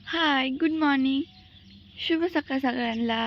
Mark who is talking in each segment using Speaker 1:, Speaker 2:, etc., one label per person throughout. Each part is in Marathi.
Speaker 1: हाय, गुड मॉर्निंग. शुभ सकाळ सगळ्यांना.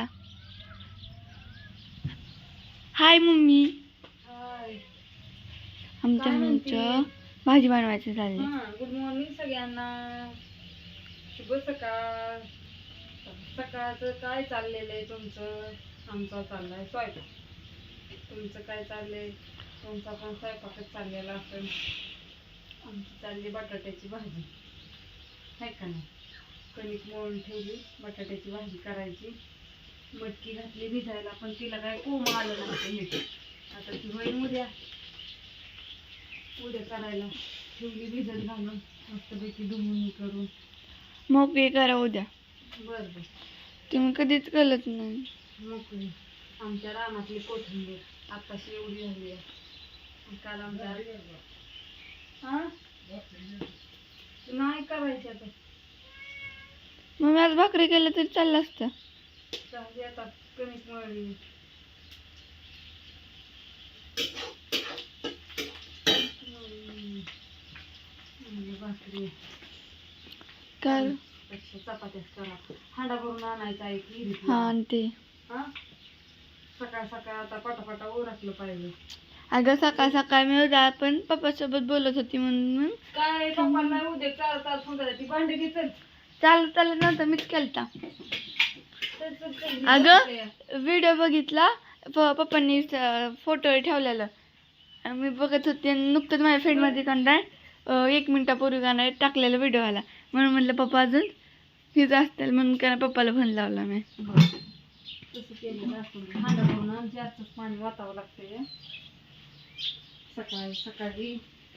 Speaker 1: Hi mummy.
Speaker 2: हाय.
Speaker 1: आमच्या
Speaker 2: काय म्हणते?
Speaker 1: मम्मीचं भाजी बनवायचं चाललंय.
Speaker 2: गुड मॉर्निंग सगळ्यांना. शुभ सकाळ. सकाळचं काय चाललेलं आहे तुमचं? आमचा चाललाय स्वयंपाक. तुमचं काय चाललंय? तुमचा पण स्वयंपाकच चाललेला असेल. आमची चालली बटाट्याची भाजी, आहे का नाही? कणिक मळून ठेवली, बटाट्याची भाजी करायची. मटकी घातली भिजायला, पण तिला काय कोंब आलं नव्हतं नीट. आता ती होईल उद्या करायला. ठेवली भिजत घालून मस्तपैकी धुवून करून.
Speaker 1: मोकळी करा उद्या.
Speaker 2: बरं बरं.
Speaker 1: तुम्ही कधीच कळत नाही.
Speaker 2: मोकळी. आमच्या रानातली कोथिंबीर आताशी एवढी झाली आहे. काल आमच्या नाही करायची आता.
Speaker 1: मग आज भाकरी केलं तरी चाललं असतं.
Speaker 2: चालली आता कणिक मळली. भाकरी
Speaker 1: काय
Speaker 2: चपात्याच करा. हांडा भरून आणायचा आहे की.
Speaker 1: हा आणि ते
Speaker 2: सकाळ सकाळ आता पटापटा ओरखलं पाहिजे.
Speaker 1: अगं सकाळ सकाळ मी उद्या पण पप्पासोबत बोलत होती म्हणून
Speaker 2: काय पप्पांना उद्या चाल सुंदर ती भांडे घेतल.
Speaker 1: चालत नव्हतं मीच केलता. अगं व्हिडिओ बघितला, पप्पांनी फोटो ठेवलेला. मी बघत होते आणि नुकतंच माझ्या फ्रेंडमध्ये कंटाळ 1 मिनिटापूर्वी गाणं टाकलेला व्हिडिओ आला. म्हणून म्हटलं पप्पा अजून तिथं असतील म्हणून काय पप्पाला फोन लावला मी.
Speaker 2: तसं केलं असतं. हांडा भरून जास्तच पाणी वाचावं लागतंय. सकाळी सकाळी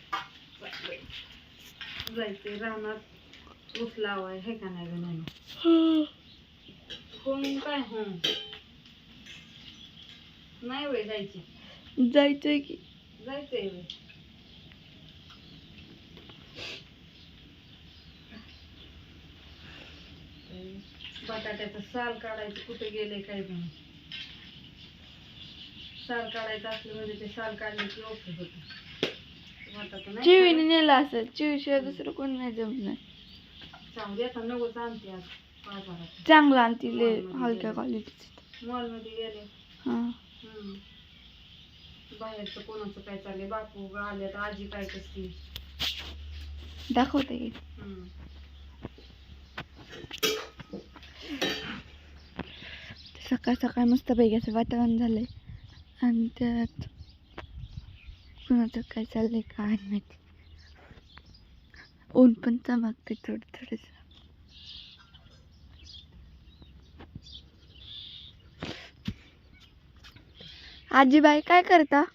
Speaker 2: जायचंय रानात. ऊस लावाय हे का नाही नाही कोण काय नाही वय
Speaker 1: जायचंय की
Speaker 2: जायचंय वय. बटाट्याचं साल काढायचं कुठे गेले काय नाही. साल काढायचं असलं म्हणजे ते साल काढले की ओके होत.
Speaker 1: चिवीने नेलं असेल. चिवीशिवाय दुसरं कोण नाही जमणार.
Speaker 2: चांगली आता नवच आणते आज बाजारात.
Speaker 1: चांगलं आणते हलक्या क्वालिटीचं.
Speaker 2: मॉलमध्ये गेले. बाहेरचं कोणाचं काय चाललंय. बापू आले तर आजी काय करते
Speaker 1: दाखवते. सकाळ सकाळ मस्त पैकी असं वातावरण झालंय आणि त्यात कुणाचं काय चाललंय काय माहिती. ऊन पण चमकते थोडं थोडंसं. आजीबाई काय करता?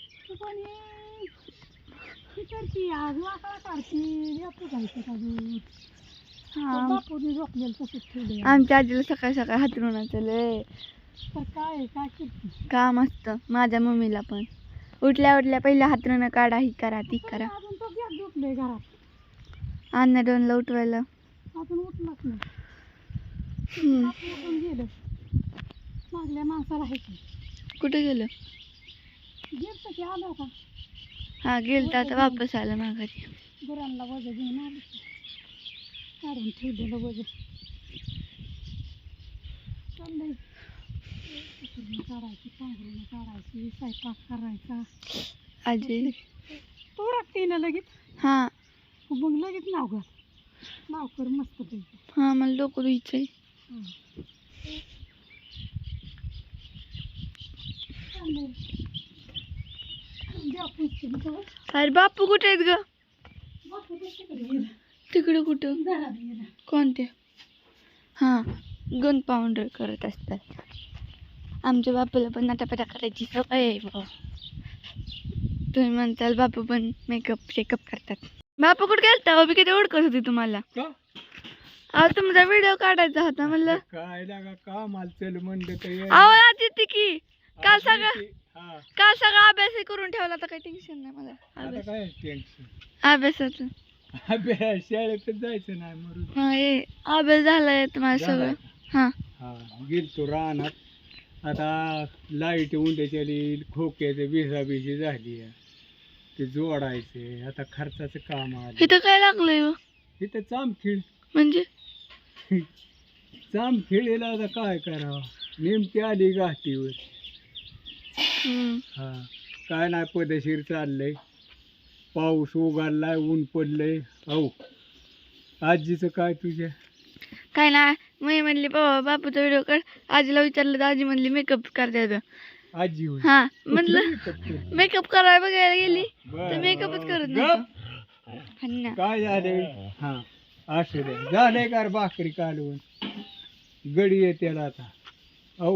Speaker 1: आमच्या आजीला सकाळ सकाळ हातरुणाचं लय काम असतं. माझ्या मम्मीला पण उठल्या उठल्या पहिल्या हातरुणं काढा, ही करा ती करा. अन्ना दोनला उठवायला कुठे गेलं? हा गेलं तर आता वापस आलं माघारी.
Speaker 2: गुरांना वज घेऊन आले काढून ठेवलेलं वज चाललंय. काढायची पांघरून काढायची स्वयंपाक करायचा.
Speaker 1: आजी
Speaker 2: तो टाकते ना लगेच.
Speaker 1: हा
Speaker 2: मग लगेच नाव कर मस्त पैकी.
Speaker 1: हा मला डोकं धुवायचंय. अरे बापू कुठे आहेत ग? तिकडे कुठं? कोणते? हा गन पावडर करत असतात. आमच्या बापूला पण नाटापटा करायची सवय आहे. तुम्ही म्हणताल बापू पण मेकअप शेकअप करतात. बापू कुठे गेलता? अभि किती ओळखत होती तुम्हाला. अहो तुमचा व्हिडिओ काढायचा होता म्हणलं.
Speaker 2: काय लागा का माल चल म्हणलं तर
Speaker 1: अहो आज येते की काल सगळं अभ्यास करून ठेवला. आता काही टेन्शन नाही मला
Speaker 2: काय टेन्शन
Speaker 1: अभ्यासाचं.
Speaker 2: अभ्यास शाळेत जायचं नाही मरून.
Speaker 1: हा ये अभ्यास झालाय तुम्हाला सगळं. हा
Speaker 2: गेलतो रानात. आता लाईट उंड्याच्या खोक्याचे भिजाभिजी झाली. ते जोडायचे आता खर्चाचं काम आलं.
Speaker 1: इथं काय लागलंय?
Speaker 2: इथं चामखीळ
Speaker 1: म्हणजे
Speaker 3: जामखेडीला आता काय करावं, नेमकी आली घाटीवर. हा, काय नाही पदशीर चाललंय. पाऊस उघडलाय, ऊन पडलंय. अहो आजीचं काय तुझ्या?
Speaker 1: काय नाही, मी म्हणली बापूचा व्हिडिओ कर. आजीला विचारलं तर आजी म्हणली मेकअप करते.
Speaker 3: आजी होय.
Speaker 1: हा म्हणलं मेकअप करायला बघायला गेली तर मेकअपच करत नाही.
Speaker 3: काय झालंय? हा असू दे, झालंय का रे भाकरी कालवून? गडी येते आता. अहो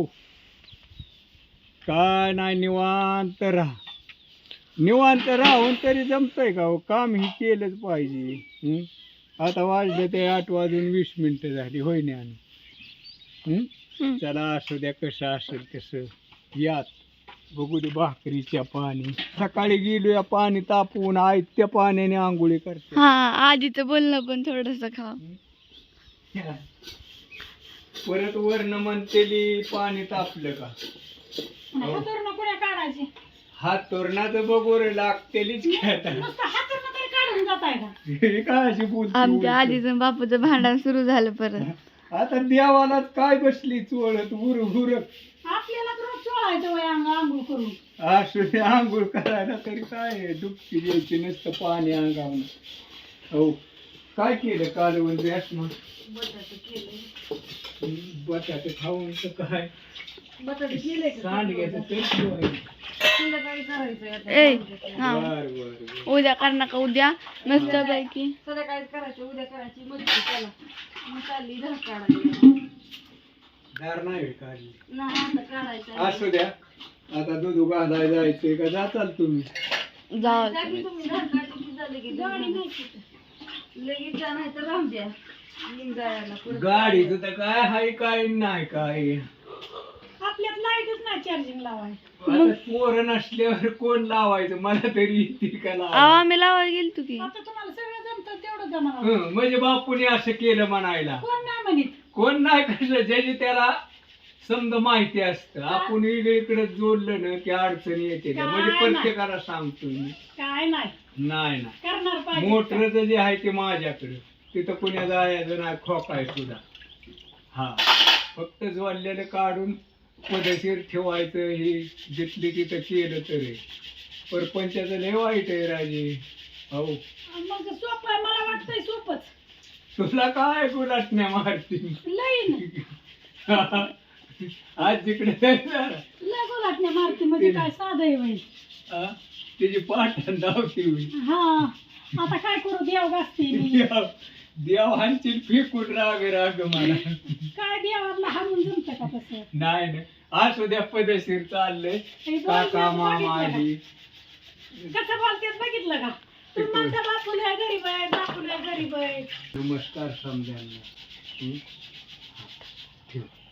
Speaker 3: काय नाही, निवांत राहा. निवांत राहून तरी जमतंय का हो? काम ही केलंच पाहिजे. आता वाजले ते 8:20 झाली, होय ना? चला असू द्या, कसं असेल तसं. यात बघू दे भाकरीच्या पाणी. सकाळी गेलो या पाणी तापवून, आई त्या पाण्याने आंघोळी करते.
Speaker 1: हा, आजीचं बोलणं पण थोडस खा.
Speaker 3: परत वरण म्हणतेली पाणी तापलं का? हात तोरणाचं बघू रे, लागतेलीच काय अशी बोलते?
Speaker 1: आमच्या आजीचं बापूचं भांडण सुरू झालं परत.
Speaker 3: आता देवाला काय बसली चोळत उर उर.
Speaker 2: आपल्याला रोज चोळायचं वय आंघोळ करून.
Speaker 3: असू दे, आंघोळ करायला तरी काय डुबकी द्यायची, नसतं पाणी अंगावून. हो, काय केलं कालवण द्यास मग?
Speaker 2: बटाटे केले.
Speaker 3: बटाटे खाऊन तर काय
Speaker 2: बटाटे केले
Speaker 3: सांडग्याचं तरी शिवाय.
Speaker 2: संध्याकाळी करायचं आता.
Speaker 3: बर बर.
Speaker 1: उद्या कर नका, उद्या मस्त पैकी
Speaker 2: संध्याकाळी करायचं, उद्या करायची. मग चला मग चालली धार काढायला.
Speaker 3: धार नाही काढली.
Speaker 2: नाही आता काढायचं.
Speaker 3: असू द्या, आता दूध घालायला जायचंय का? जाचाल तुम्ही?
Speaker 1: जाऊ
Speaker 2: तुम्ही धार काढली झाले की गाडी नाही लगेच जा, नाही तर राहून द्या. जायला
Speaker 3: गाडीचं तर काय हाय, काय नाही काय.
Speaker 2: आपल्यात लाईटच नाही चार्जिंग लावाय.
Speaker 3: आता पोरं नसल्यावर कोण लावायचं? मला तरी येतील का लावायला?
Speaker 1: आम्ही लावायला गेलतो की.
Speaker 2: आता तुम्हाला सगळं जमतं तेवढं जमा.
Speaker 3: म्हणजे बापूने असं केलं म्हणायला.
Speaker 2: कोण नाही म्हणित.
Speaker 3: कोण नाही कसं, ज्याची त्याला समजा माहिती असतं. आपण वेगळीकडे जोडलं ना की अडचणी येते. म्हणजे प्रत्येकाला सांगतो मी.
Speaker 2: काय नाही
Speaker 3: नाही ना,
Speaker 2: करणार पाहिजे.
Speaker 3: मोटरचं जे आहे ते माझ्याकडे, तिथं पुण्या जायचं नाही, खोकाय सुद्धा. हा, फक्त जोडलेलं काढून पदशीर ठेवायचं. हे जिथली तिथं केलं तरी परपंचाचं लय वाईट आहे राजे. हो,
Speaker 2: मग सोपं आहे, मला वाटतंय सोपच.
Speaker 3: तुला काय गुलाटण्या मारती
Speaker 2: लई
Speaker 3: आज जिकडे
Speaker 2: लय गोलाटण्या मारते म्हणजे काय साधं आहे बाई.
Speaker 3: तिची पाठण धावती होईल.
Speaker 2: हा, आता काय करू, देव गाजते मी.
Speaker 3: देवांची फेकून राग राग मला.
Speaker 2: काय देवाला हारून जमतं का तसं?
Speaker 3: नाही नाही, असू द्या, पदशीर चाललंय. काका मामा आली
Speaker 2: कसं बोलतेस बघितलं का? तू म्हणता बापूला गरीब आहे, बापूला गरीब आहे.
Speaker 3: नमस्कार समजायला. ठेव.